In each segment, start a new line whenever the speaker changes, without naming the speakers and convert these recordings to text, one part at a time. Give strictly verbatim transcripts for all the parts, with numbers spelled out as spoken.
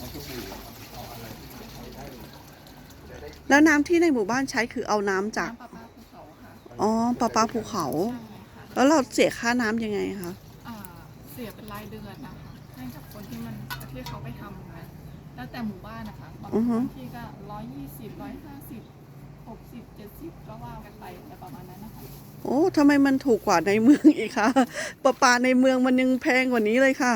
แล้วน้ำที่ในหมู่บ้านใช้คือเอาน้ำจาก
น้ำประปาภูเขาค่ะ
อ๋อประปาภูเขา
ใช่ค่ะ
แล้วเราเสียค่าน้ำยังไงคะ
อ่าเสียเป็นรายเดือนนะคะให้กับคนที่มันที่เขาไปทำนะแล้วแต่หมู่บ้านนะคะบาง
อือฮึ
ที่ก็ร้อยยี่สิบร้อยห้าสิบหกสิบเจ็ดสิบก็ว่ากันไปแต่ประมาณนั้นนะคะ
โอ้ทำไมมันถูกกว่าในเมืองอีกคะประปาในเมืองมันยังแพงกว่านี้เลยค่ะ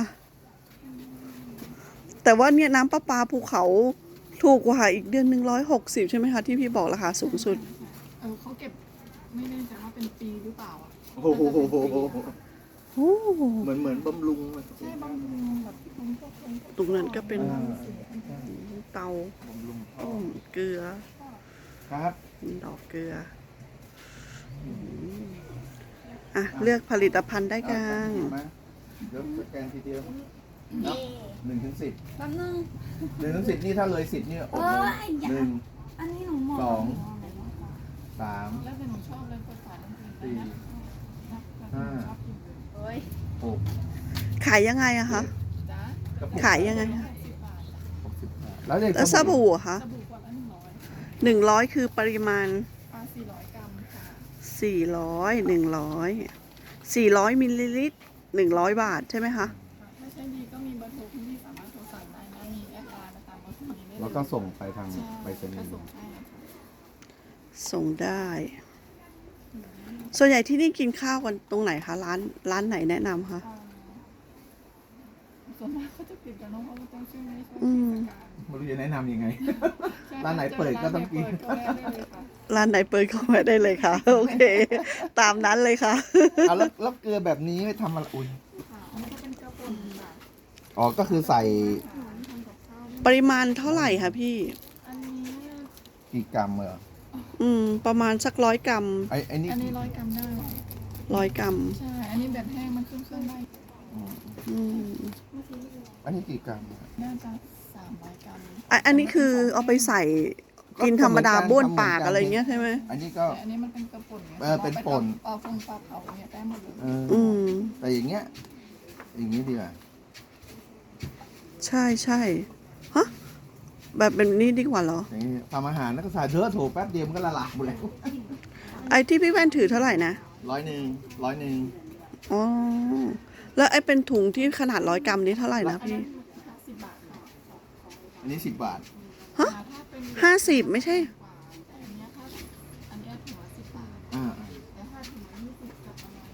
แต่ว่าเนี่ยน้ำประปาภูเขาถูกกว่าอีกเดือนหนึ่งร้อยหกสิบใช่ไหมคะที่พี่บอกราคาสูงสุด
เออเขาเก็บไม่แน่ใจว่าเป็นปีหรือเปล่าอ่ะ
โอ้โห
โอ้
เหมือนเหมือนบำรุง
ใช่บางทีแบบบางพวกคน
ตรงนั้นก็เป็น
อ่า
เตา
บำรุงท่อ
ต้มเกลือ
ครับ
ดอกเกลืออืมอ่ะเลือกผลิตภัณฑ์ได้กัง
มาเดี๋ยวสแกนทีเดียวนับหนึ่งถึงสิบ
แป๊บนึง
หนึ่งถึงสิบนี่ถ้าเลยสิบนี่โอ้
เอ
โห
อไอ้ยา
หนึ่ง
อันนี้หนูมอง
สอง
หนูมอะไรวะคะ
สาม
แล้วแต่หนูชอบเลยเปิดฝาน้ำผึ้ง
สี่
นะแล้วแต่หนูชอบกินเลย
เฮ้ย
หก
ขายยังไงอะคะ
จ้า
ขายยังไง
หกสิบบาทจ้ะ
หกสิบห้าแล้วเด็ก
แล้วสบู่อะคะ
สบู่ขวดละหนึ่งร้อย
หนึ่งร้อยคือปริมาณ
ปลาสี่ร้อยกรัมค่ะ
สี่ร้อยหนึ่งร้อยสี่ร้อยมิลลิลิตรหนึ่งร้อยบาทใช่ไหมคะ
ถ้าใช้ดีก็มีเบอร์โทรคุณพี่สามารถโทรสั่งได้นะมีแอดไลน์มาตามเบอร์โทรนี้ได้เลย
แล้วก็ส่งไปทาง
ใช่
ไปรษณี
ก็
ย์
ส่งให้นะคะ
ส่งได้ ส่วนใหญ่ที่นี่กินข้าวกันตรงไหนคะร้านร้านไหนแนะนำคะ
อ่าส่วนมากเขาจะปิดกันเนอะเพราะว่าต้องช่วงนี้ช่วง
อื
เท
ม
ศกาล
ไม่รู้จะแนะนำยังไง
ใช่
ร้านไหนเปิดก็ต้องกิน
ร้านไหเปิดก็แวะได้เลยค่ะ
ร้านไหนเปิดเข้ามาได้เลยค่ะ โอเค ตามนั้นเลยค่ะ
เอาแล้วแล้วเกลือแบบนี้ไม่ทำอะไรอุ้ย
ค่ะอันนี้ก็เป็นกระปุกค่ะ
อ๋อก็คือใส่
ค่ะทำกับข้าว
ปริมาณเท่าไหร่คะพี่
อันนี้
กี่กรัมเหรอ
อืม ประมาณสักร้อยกรัม
ไอ้ไอ้นี่
อันนี้ร้อยกรัมได้
ร้อยกรัม
ใช่ อันนี้แบบแห้งมันขึ้นเครื่องได้
อืม
อืม
อันนี้กี่กรัมอะ
น่าจะสามร้อยกรัม
อ่ะอันนี้คือเอาไปใส่กินธรรมดาบ้วนปากอะไรเงี้ยใช่ไหม
อันนี้ก็
แต่อันนี้มันเป็นกระปุกไง
เออเป็นป่น
เอาฟงปลาเผาเนี่ยได้หมดเลย
เออ
อืม
แต่อย่างเงี้ย อย่างงี้ดีกว่า
ใช่ใช่ฮะแบบแบบนี้ดีกว่าเหรอ
อย่างงี้ทำอาหารแล้วก็ใส่เธอโถแป๊บเดียวมันก็ละลายหมดแล้ว
ไอ้ที่พี่แว่นถือเท่าไหร่นะ
ร้อยหนึ่งร้อยหนึ่ง
อ๋อ แล้วไอ้เป็นถุงที่ขนาดร้อยกรัมนี้เท่าไหร่นะพี่
ห้าสิบบาทค่ะ
อันนี้สิบบาท
ฮะ
ถ้าเป็น
ห้าสิบไม่ใช่
กว่าแต่อันเนี้ยถ้าอันเนี้ยถือว่าสิบบาท
อ่า
แต่ถ้าถึงยี่สิบจะประมาณ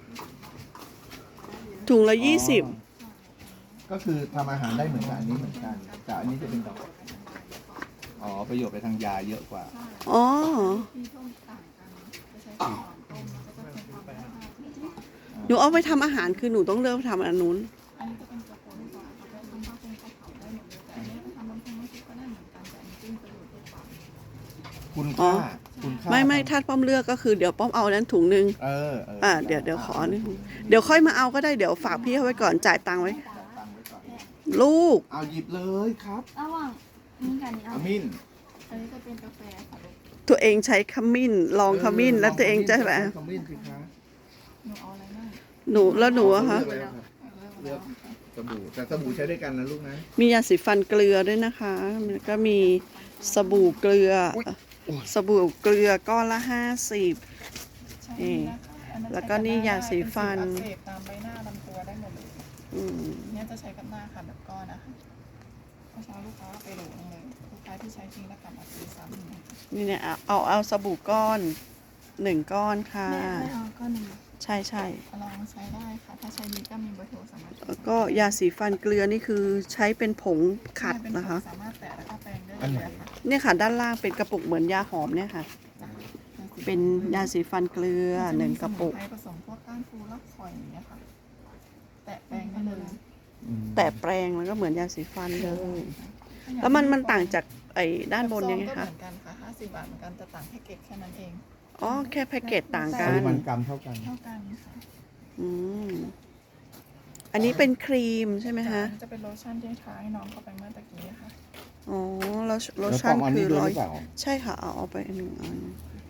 ถุงละยี่สิบ
ก็คือทำอาหารได้เหมือนกับอันนี้เหมือนกัน แต่อันนี้จะเป็นดอก อ๋อ ประโยชน์ไปทางยาเยอะกว่า
อ๋อ
ที่ต้มต่างกันจะใช้ก่อนต้มแล้วก็จะเป็นความร้อน
หนูเอาไปทำอาหารคือหนูต้องเลือกทำอันนู้น
อันนี้จะเป็นกระปุกกว่าเขาจะทำข้าวเป็นข้าวเผาได้หมดเลยแต่อันนี้จะทำน้ำพริกน้ำพริกก็ได้เหมือนกันแต่อันนี้จิ้มประโยชน์เยอะกว่า
คุณ
อ๋อ
ค่า คุณค่า
ไม่ไม่ถ้าป้อมเลือกก็คือเดี๋ยวป้อมเอานั้นถุงหนึ่ง
เออเออ
อ่าเดี๋ยวเดี๋ยวขอนึงเดี๋ยวค่อยมาเอาก็ได้เดี๋ยวฝากพี่เขาไว้ก่อนจ่ายตังค์ไว้
ตังค์ไว้ก่อน
ลูก
เอาหยิบเลยครับ
ระหว่างนี้กับนี้เอา
อามิน
อันนี้จะเป็นกาแฟค่ะลูก
ตัวเองใช้ขมิ้น ลองขมิ้น แล้วตัวเองจะแบบ
ขมิ้นสิคะ
หนูเอาอะไรบ้าง
หนูแล้วหนูอะคะ
เลือกแล้วครับ
เลือก
สบู่แต่สบู่ใช้ด้วยกันนะลูกนะ
มียาสีฟันเกลือด้วยนะคะแล้วก็มีสบู่เกลือ สบู่เกลือก้อนละห้าสิบ
ใช่
นี่
นะคะอันนั้น
แล้วก็นี่ยาสีฟัน
เป็นสิวอักเสบตามใบหน้าลำตัวได้หมดเลย
อืม
เนี่ยจะใช้กับหน้าค่ะแบบก้อนนะคะเมื่อเช้าลูกค้าไปโหลนึงเลยลูกค้าที่ใช้จริงแล้วกลับมาซื้อซ้ำอีกนะคะ
นี่เนี่ยเอาเอาเอาสบู่ก้อนหนึ่งก้อนค่ะ
แม่ไม่เอาก็หนึ่ง
ใช่ใช่
ลองใช้ได้ค่ะ ถ้าใช้ดีก็มีเบอร์โทรสามารถ
แล้วก็ยาสีฟันเกลือนี่คือใช้เป็นผงขัด
เป็น
นะคะ
สามารถแตะแล้วก็แปรงได้เลยค่ะ
เนี่ยค่ะด้านล่างเป็นกระปุกเหมือนยาหอมเนี่ยค่ะ เป็นยาสีฟันเกลือหนึ่งกระปุก
มันจมีสมุนไพรผสมพวกก้านฟูรากฝอยอย่างเงี้ยค่ะ แตะแปรงได้เลย
แต่แปรงมันก็เหมือนยาสีฟันเลย แล้วมันมันต่างจากไอ้ด้านบนยังไง
ซอก็
คะ
เหมือนกันค่ะห้าสิบบาทเหมือนกันแต่ต่างแพ็กเกจแค่นั้นเอง
อ๋อแค่แพ็กเกจต่าง
ป
กั
ริ
น
มาณกรัมเท่ากัน
เท่ากันค่ะ
อืมอันนี้เป็นครีมใช่ไหม
แต่
คะ
อันนี้จะเป็นโลชั่นที่ทาให้น้องเข้าไปเมื่อตะกี้ค่ะ
อ๋อแล้วโลชั่น
แล้วปอมอัน
คื
นี้
อ
ด้วย
ร้อ
ห
ย
รือเปล่า
ใช่ค่ะ เอาเอาไปหนึ่งอัน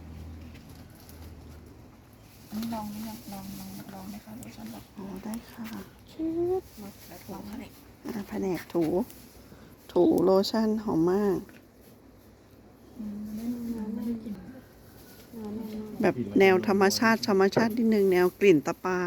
อันนี้ลองหรือยังลองลองลองไหมคะโลชั่นแบบ
อ๋อได้ค่ะชิด
หมดแล้วถูกไหม
อ่าแผนกถู ถถูโลชั่นหอมมาก
อืมไม่ไม่ได้กลิ่น
แบบแนวธรรมชาติธรรมชาตินิดนึงแนวกลิ่นตะปา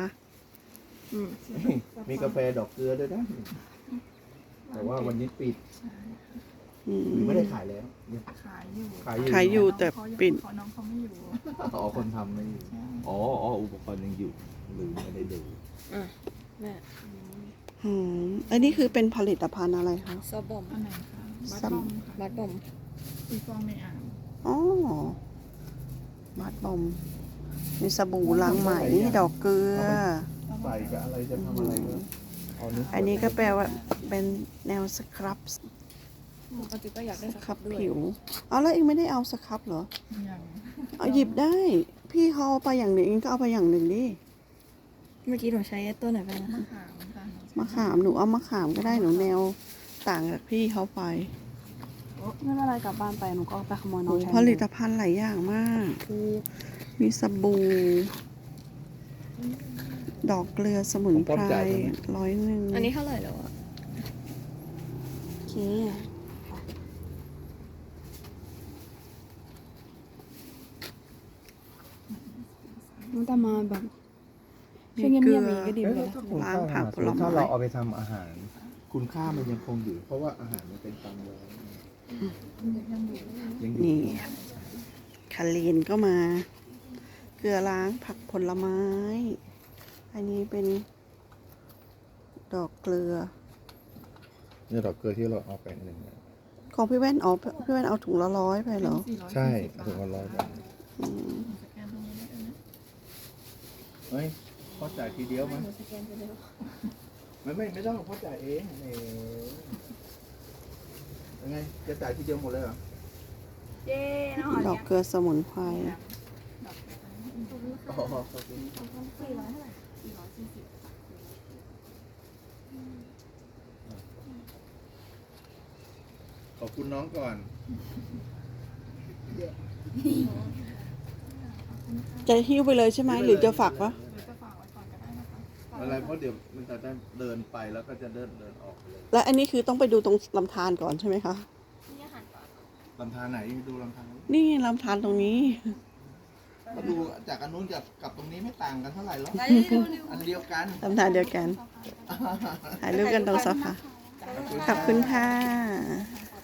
มีกาแฟดอกเกลือด้วยนะแต่ว่าวันนี้ปิด
อืม
หรือไม่ได้ขายแล้ว
ขายอยู่
ขายอยู่
ขายอยู่แต่ปิด
ขอน้องเขาไม่อยู่
อ๋อคนทำไม่อยู่อ๋ออ๋ออุปกรณ์ยังอยู่หรือไม่ได้ดู
อืมอันนี้คือเป็นผลิตภัณฑ์อะไรคะ
ซอบอม
อันไหนคะบัต
ซั
ร
ม
บอมค่ะ
บัตบอม
ตีฟองในอ่าง
อ๋อบัตบอมมีสบู่ล้างไหมดอกเกลือ
ใส่กับอะไรจะทำอะไรก็เอาเนื้อ
อันนี้ก็แปลว่าเป็นแนวสครับ
ปกติก็อยากได้
ส
ส
ค
ค
รั
รั
บบ
ด้วย
ผิวเอาแล้วเองไม่ได้เอาสครับเหรอ
อย่าง
เอาหยิบได้ พี่เขาเอาไปอย่างหนึ่งเองก็เอาไปอย่างหนึ่งดิ
เมื่อกี้หนูใช้ตัวไหนไปนะ
มะ
คะ
ขามค่ะ
มะขามหนูเอามะขามก็ได้หนูแนวต่างจากพี่เขาไป
ไม่เป็นไรกลับบ้านไปหนูก็ไปขโมยน้
โอ้
องใช้
ผลิตภัณฑ์หลายอย่างมาก
คือ
มีสบู่ดอกเกลือสมุนไพรร้อยหนึ่ง
อันนี้เท่าไหร่แล้วอะโอเคมันจะมาแบบช่วยเงียบๆอย่างนี้ก็ดีเหมือนกันนะ
ล้างผักผลไม้
ถ้าเราเอาไปทำอาหาร คุณค่ามันยังคงอยู่ เพราะว่าอาหารมันเป็นตังค์แล้วยังอยู่
นี่คาลีนก็มา เกลือล้างผักผลไม้ อันนี้เป็นดอกเกลือ
เนี่ยดอกเกลือที่เราเอาไปหนึ่ง
ของพี่แว่นเอาพี่แว่นเอาถุงละร้อยไปเหรอ
สี่ร้อย
ใช่
สี่สิบบาท
ถึงวันร้อยบาท
อืม
สแกนตรงนี้ได้เลยนะ
เฮ้ยพ่อจ่ายทีเดียวมั้ยไม่ไม่ไม่ต้องพ่อจ่ายเองเออยังไงจะจ่ายทีเดียวหมดเลยเหรอ
เย้น้องหอม
ดอกเกลือสมุนไพร
อ๋อขอบคุณ
สี่ร้อยเท่าไหร่
สี่ร้อยสี่สิบ
ขอบคุณน้องก่อน
จะหิ้วไปเลยใช่ไหมหรือจะฝากวะ
หรือจะฝากไว้ก่อนก็ได้นะคะ
อะไรเพราะเดี๋ยวมันจะได้เดินไปแล้วก็จะเดินเดินออกไปเลย
และอันนี้คือต้องไปดูตรงลำธารก่อนใช่ไหมคะ
ลำธารไหนดูลำธาร
นี่ไงลำธารตรงนี้
ก็ดูจากอันนู้นกับกับตรงนี้ไม่ต่างกันเท่าไหร่หรอกอันเดียวกัน
ลำธารเดียวกันถ่ายรูปกันตรงโซฟาขอบคุณค่ะ